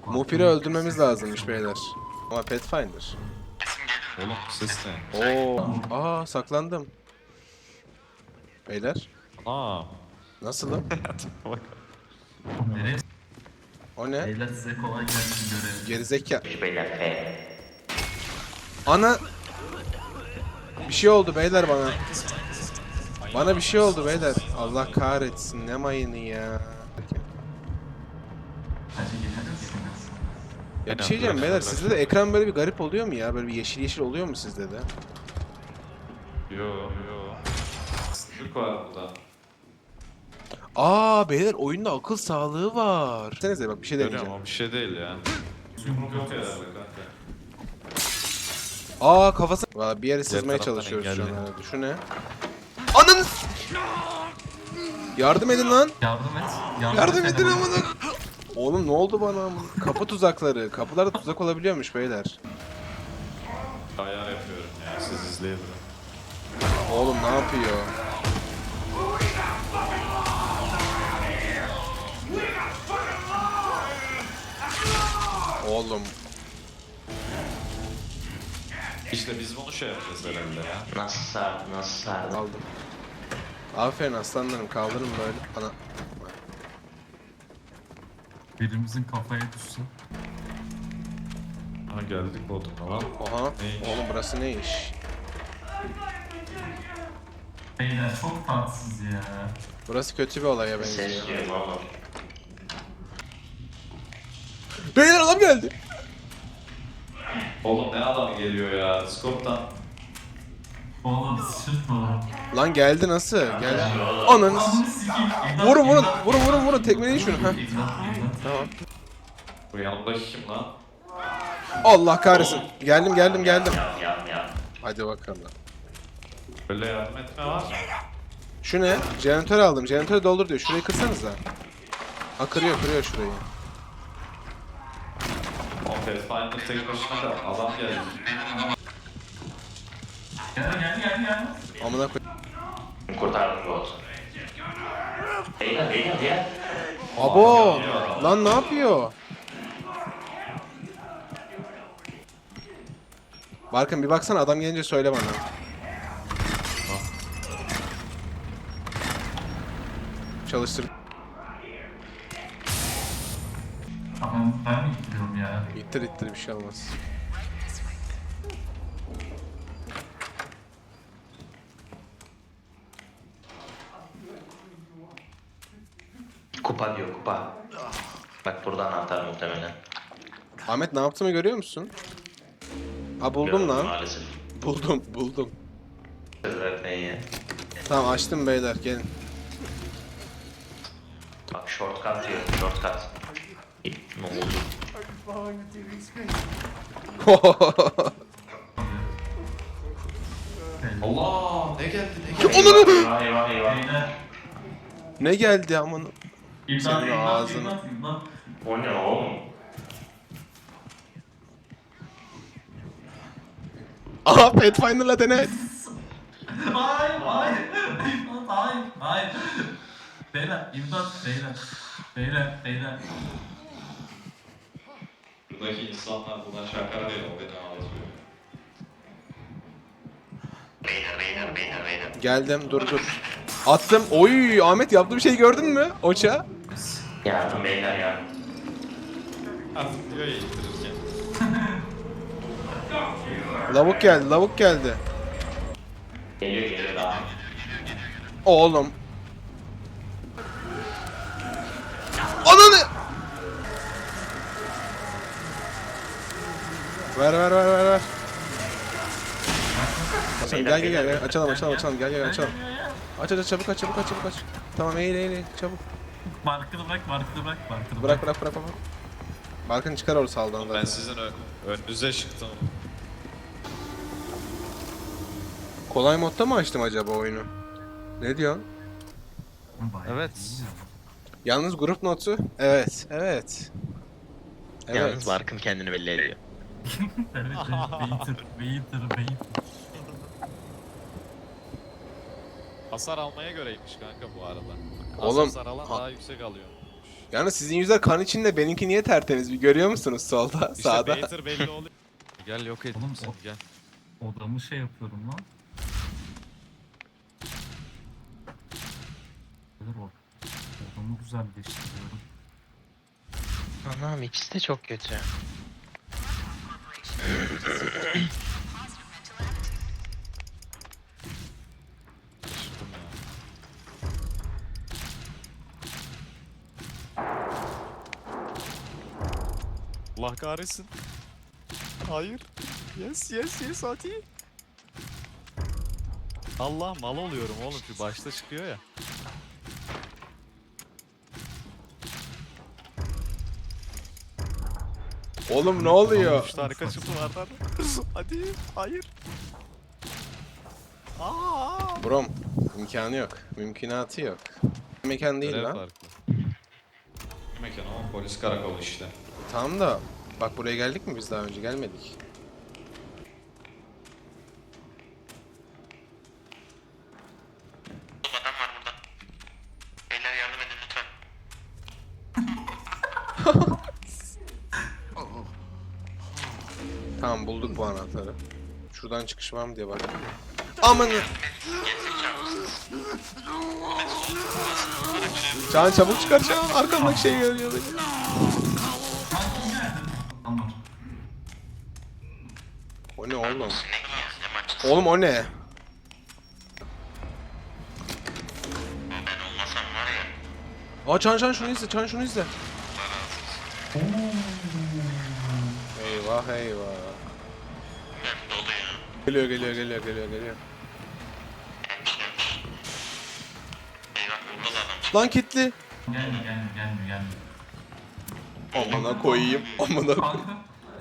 Mupir'i öldürmemiz lazımmış beyler. Ama Pathfinder. Oğlum ses ne? Oo, saklandım. Beyler, Ana. nasılım? Bak. Nereye? O ne? Beyler size kolay gelsin görev. Gerizekalı. Beyler F. Ana! Bir şey oldu beyler bana. Bana bir şey oldu beyler. Allah kahretsin, ne mayını ya. Hadi gidelim. Ya bir şey diyeceğim beyler, sizde de ekran böyle bir garip oluyor mu ya? Böyle bir yeşil yeşil oluyor mu sizde de? Yo. Türk var burada. Beyler oyunda akıl sağlığı var. Senize bak bir şey Görüyorum deneyeceğim. ama bir şey değil ya. Yumruk yok herhalde kanka. Kafası... Valla bir yere sızmaya taraftan çalışıyoruz şu an engelli. herhalde. Şu ne? Ananı... Yardım edin lan. Yardım et. Yardım et edin bana. amına. Oğlum ne oldu bana? Kapı tuzakları. Kapılarda tuzak olabiliyormuş beyler. Ayar yapıyorum ya siz izleyebilirim. Oğlum ne yapıyor? Oğlum. İşte biz bunu şey yapacağız herhalde ya. Nasıl sardı, nasıl sardı? Aldım. Aferin aslanlarım, kaldırın böyle. Ana. Birimizin kafaya düşsün. Ha geldik Bodrum'a lan. Oha. Neymiş? Oğlum burası ne iş? Beyler çok tatsız ya. Burası kötü bir olaya benziyor. Ses diyorum oğlum. Beyler adam geldi. Oğlum ne adam geliyor ya. Scope'tan. Oğlum sıçırtma. Lan geldi nasıl? Geldi. Ananı s- Ananı sikeyim. Vurun tekmeleyin şunu. Heh. Tamam. Bu yanımdaki kim lan? Allah kahretsin. Geldim. Yan. Hadi bakalım. Böyle yardım etme var. Şu ne? Jeneratör aldım. Jeneratörü doldur diyor. Şurayı kırsanıza. Kırıyor şurayı. O Pathfinder tek başına da adam geldi. Gel. Amına koy. Kurtardım bu olsun. Beyler. Abo! Lan ne yapıyor? Barkın bir baksana, adam gelince söyle bana. Çalıştır. Tamam ben mi gidiyorum ya? İttir bir şey olmaz. Kupa diyor kupa. Bak burada anahtar muhtemelen. Ahmet ne yaptığımı görüyor musun? Buldum Gördüm lan. Maalesef. Buldum. Öğretmeyi ya. Tamam açtım beyler, gelin. Bak shortcut diyor. Shortcut. Ne oldu? Allah ne geldi Eyvah. Beyler. Ne geldi aman? İmdat, Senin imdat, ağzını. imdat. O ne oğlum? Aha Pathfinder'la dene. Hayır. İmdat, hayır. Beyler, imdat, beyler. Buradaki insanlar buna şaka veriyor. O beni ağlatıyor. Beyler. Geldim, dur. Attım. Oy Ahmet, yaptığım şeyi gördün mü? Oça. Yardım beyler yardım. Artık diyor ya ittirirken. Lavuk geldi. Geliyor daha. Oğlum. Ananı! Ver. Açalım, gel. Açalım. Gel. Aç, çabuk aç. Tamam, eğil, çabuk. Markını bırak. Bırak. Balkın çıkar orası saldan Ben zaten. sizin önünüze çıktım. Kolay modda mı açtım acaba oyunu? Ne diyorsun? Evet. Yalnız grup notu. Evet. Yalnız Barkın kendini belli ediyor. Evet. Waiter. Hasar almaya göreymiş kanka bu arada. Oğlum, Hasar alan daha yüksek alıyor. Yani sizin yüzler kan içinde, benimki niye tertemiz, bir görüyor musunuz solda, İşte sağda? Bater belli oluyor. Gel yok et Oğlum, seni gel. Odamı şey yapıyorum lan. Olur o. Odamı güzelleştiriyorum. Anam ikisi de çok kötü. Şaşırdım ya. Allah kahretsin. Hayır. Yes yes yes hadi. Allah mal oluyorum oğlum, şu başta çıkıyor ya. Oğlum ne oluyor? 3 tane kaçırdılardan. Hadi hayır. Aa! Brom, imkanı yok. Mümkünatı yok. Mekan değil Görev lan. farklı. Mekan ama polis karakolu işte. Tamam da bak, buraya geldik mi biz daha önce? Gelmedik. Adam var burada. Beyler yardım edin lütfen. Tamam, bulduk bu anahtarı. Şuradan çıkış var mı diye bak. Amanı. Can çabuk çıkar Can. Arkamdaki şey görüyor beni. Tamam. O ne oğlum? Ne ya? Ne maç? Oğlum o ne? Ben olmasam var ya. Aa Can şunu izle, Can şunu izle. Eyvah eyvah. Ben dolu ya. Geliyor. Eyvah burada da adam. Lan kilitli. Gelme. Amına koyayım. Amına koyayım. Kanka.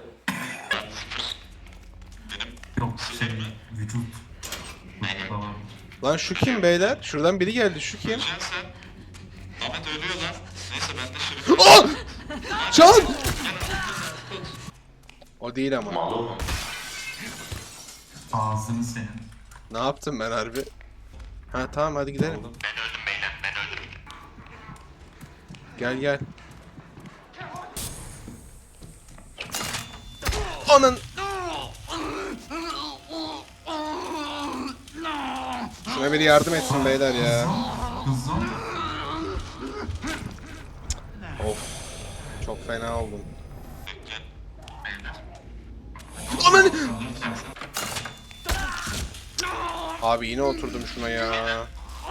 Yok şey, vücut. Vücutta var. Lan şu kim beyler? Şuradan biri geldi. Şu kim? Sen. Ahmet ölüyor lan. Neyse ben de şimdi. Aa! Can! O değil ama. Ağzını senin. Ne yaptım ben harbi? Ha tamam, hadi gidelim. Ben öldüm beyler. Ben öldüm. Gel. Anın. Şuna biri yardım etsin beyler ya. Kızım. Of. Çok fena oldum. Ananı. Abi yine oturdum şuna ya.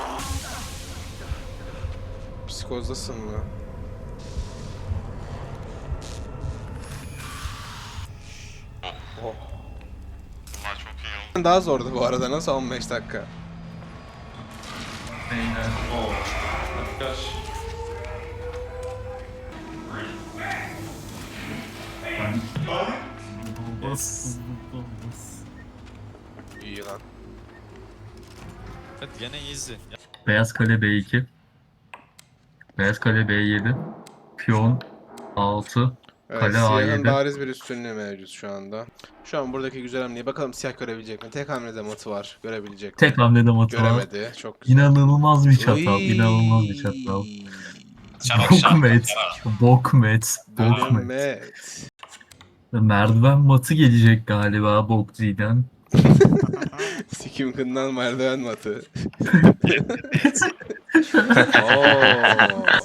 Psikozdasın mı? Oh. Bunlar çok iyi oldu. Daha zordu bu arada. Nasıl 15 dakika? Beyler. Oo. Kaç. Ben... Bas. İyi lan. Hadi gene easy. Ya, Beyaz kale B2. Beyaz kale B7. Piyon 6. Evet, Kale siyahın A7. bariz bir üstünlüğü mevcut şu anda. Şu an buradaki güzel hamleyi bakalım siyah görebilecek mi? Tek hamlede matı var. Görebilecek mi? Tek hamlede matı var. Göremedi. Çok güzel. İnanılmaz bir çatal. Uy. İnanılmaz bir çatal. Bokmet. Bokmet. Bölünmet. Merdiven matı gelecek galiba Bokzi'den. Sikim kından merdiven matı. Oo.